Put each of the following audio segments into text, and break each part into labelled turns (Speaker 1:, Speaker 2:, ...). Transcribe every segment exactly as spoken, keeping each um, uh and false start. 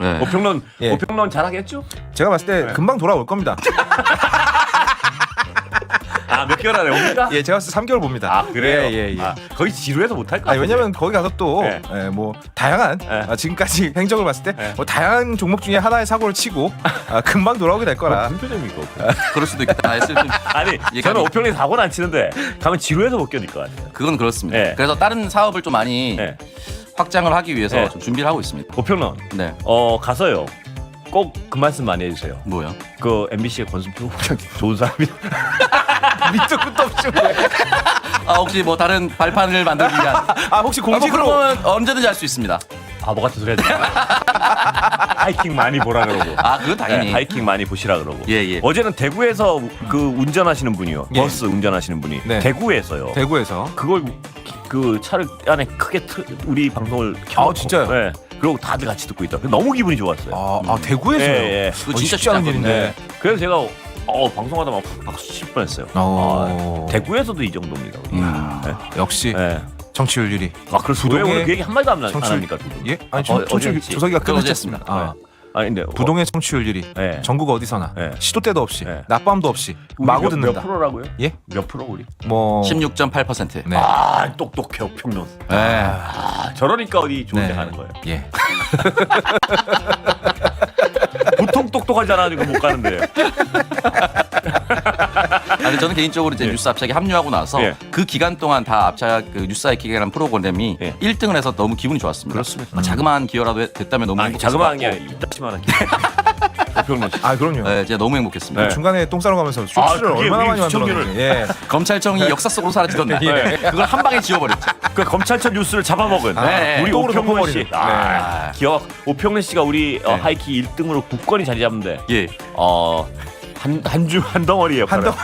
Speaker 1: 네.
Speaker 2: 오평론
Speaker 3: 예.
Speaker 2: 오평론 잘하겠죠?
Speaker 3: 제가 봤을 때
Speaker 2: 네.
Speaker 3: 금방 돌아올 겁니다.
Speaker 2: 아, 몇 개월 안에 옵니까?
Speaker 3: 예, 제가 봤을 때 삼 개월 봅니다.
Speaker 2: 아, 그래요?
Speaker 3: 예, 예, 예.
Speaker 2: 아, 거의 지루해서 못할 것
Speaker 3: 아,
Speaker 2: 같아요.
Speaker 3: 왜냐면 거기 가서 또
Speaker 2: 네.
Speaker 3: 예, 뭐 다양한
Speaker 2: 네.
Speaker 3: 아, 지금까지 행적을 봤을 때
Speaker 2: 네.
Speaker 3: 뭐 다양한 종목 중에 하나의 사고를 치고 아, 금방 돌아오게 될 거라.
Speaker 2: 무슨 표정입니까?
Speaker 1: 그럴 수도 있겠다. 했을 때
Speaker 2: 아니,
Speaker 1: 예,
Speaker 2: 저는
Speaker 1: 감히-
Speaker 2: 오평론 사고는 안 치는데 가면 지루해서 못 견딜 것 같아요.
Speaker 1: 그건 그렇습니다.
Speaker 2: 네.
Speaker 1: 그래서 다른 사업을 좀 많이
Speaker 2: 네.
Speaker 1: 확장을 하기 위해서
Speaker 2: 네.
Speaker 1: 좀 준비를 하고 있습니다.
Speaker 2: 오평론
Speaker 1: 네.
Speaker 2: 어 가서요. 꼭 그 말씀 많이 해주세요.
Speaker 1: 뭐요?
Speaker 2: 그 엠비씨의 권순표 국장 좋은 사람이다.
Speaker 3: 밑도 끝도 없이.
Speaker 1: 아 혹시 뭐 다른 발판을 만들기 위한
Speaker 3: 아, 혹시
Speaker 1: 아, 뭐
Speaker 3: 공직으로
Speaker 1: 그런 건 언제든지 할 수 있습니다.
Speaker 2: 바보 같은 소리 하지 마. 하이킹 많이 보라 그러고.
Speaker 1: 아 그건 당연히.
Speaker 2: 네, 하이킹 많이 보시라 그러고.
Speaker 1: 예, 예.
Speaker 2: 어제는 대구에서 그 운전하시는 분이요.
Speaker 3: 예.
Speaker 2: 버스 운전하시는 분이
Speaker 3: 네.
Speaker 2: 대구에서요.
Speaker 3: 대구에서
Speaker 2: 그걸 그 차를 안에 크게 틀, 우리 방송을 켜놓고.
Speaker 3: 아, 진짜요?
Speaker 2: 네. 그리고 다들 같이 듣고 있다. 너무 기분이 좋았어요.
Speaker 3: 아, 아 대구에서요.
Speaker 2: 예, 예.
Speaker 1: 그거
Speaker 3: 어,
Speaker 1: 진짜
Speaker 3: 쉽지 않은
Speaker 1: 쉽지
Speaker 3: 일인데.
Speaker 2: 네. 그래서 제가 어, 방송하다 막 박수 칠 뻔했어요.
Speaker 3: 어.
Speaker 2: 아, 대구에서도 이 정도입니다. 우리.
Speaker 1: 음.
Speaker 2: 네.
Speaker 3: 역시
Speaker 2: 네.
Speaker 3: 정치율 일 위.
Speaker 2: 아, 그래서 왜
Speaker 3: 부동의
Speaker 2: 오늘 그 얘기 한 마디도 안, 안
Speaker 3: 정치율-
Speaker 2: 합니까? 두 분?
Speaker 3: 예? 아니
Speaker 2: 어,
Speaker 3: 정- 정치율
Speaker 2: 어제
Speaker 3: 조사기가
Speaker 1: 그거
Speaker 3: 끝났습니다. 아.
Speaker 2: 아니 근데
Speaker 3: 부동의 청취율 일 위.
Speaker 2: 네.
Speaker 3: 전국 어디서나
Speaker 2: 네.
Speaker 3: 시도 때도 없이
Speaker 2: 네.
Speaker 3: 낮밤도 없이
Speaker 2: 우리
Speaker 3: 마구
Speaker 2: 몇,
Speaker 3: 듣는다.
Speaker 2: 몇 프로라고요?
Speaker 3: 예?
Speaker 2: 몇 프로 우리?
Speaker 3: 뭐
Speaker 1: 십육 점 팔 퍼센트.
Speaker 3: 네.
Speaker 2: 아 똑똑해 평론.
Speaker 1: 네.
Speaker 2: 아 저러니까 어디 좋은 데
Speaker 3: 네.
Speaker 2: 가는 거예요.
Speaker 3: 예.
Speaker 1: 뭐
Speaker 2: 보통 똑똑하지 않아가지고 못 가는데요.
Speaker 1: 아니 저는 개인적으로 이제
Speaker 2: 예.
Speaker 1: 뉴스 압착에 합류하고 나서
Speaker 2: 예.
Speaker 1: 그 기간 동안 다 압착 그 뉴스 하이킥이라는 프로그램이
Speaker 2: 예.
Speaker 1: 일 등을 해서 너무 기분이 좋았습니다.
Speaker 2: 그렇습니다.
Speaker 1: 아, 자그마한 기여라도 해- 됐다면 너무
Speaker 2: 아니
Speaker 1: 행복했을
Speaker 2: 자그마한 게
Speaker 1: 것
Speaker 2: 아니라 이따치만한 게. 평론 씨.
Speaker 3: 아 그럼요.
Speaker 1: 같고. 네, 제가 너무 행복했습니다.
Speaker 2: 네.
Speaker 3: 중간에 똥 싸러 가면서 쇼츠를
Speaker 2: 아, 그게
Speaker 3: 얼마나
Speaker 2: 우리
Speaker 3: 많이
Speaker 2: 시청률을-
Speaker 3: 만들었는지. 예.
Speaker 1: 검찰청이 역사 속으로 사라지던데
Speaker 2: 예.
Speaker 1: 그걸 한 방에 지워버렸죠.
Speaker 2: 그 검찰청 뉴스를 잡아먹은
Speaker 3: 아,
Speaker 1: 네.
Speaker 2: 우리
Speaker 3: 똥으로
Speaker 2: 오평론 씨.
Speaker 3: 덮어버리는.
Speaker 2: 아, 기억. 오평론 씨가 우리 어,
Speaker 1: 네.
Speaker 2: 하이킥 일 등으로 굳건히 자리 잡는데
Speaker 1: 예.
Speaker 2: 어, 한 한 주 한 덩어리예요.
Speaker 3: 한 덩.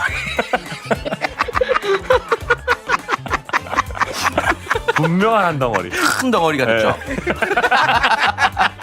Speaker 2: 분명한 한 덩어리.
Speaker 1: 큰 덩어리가 됐죠.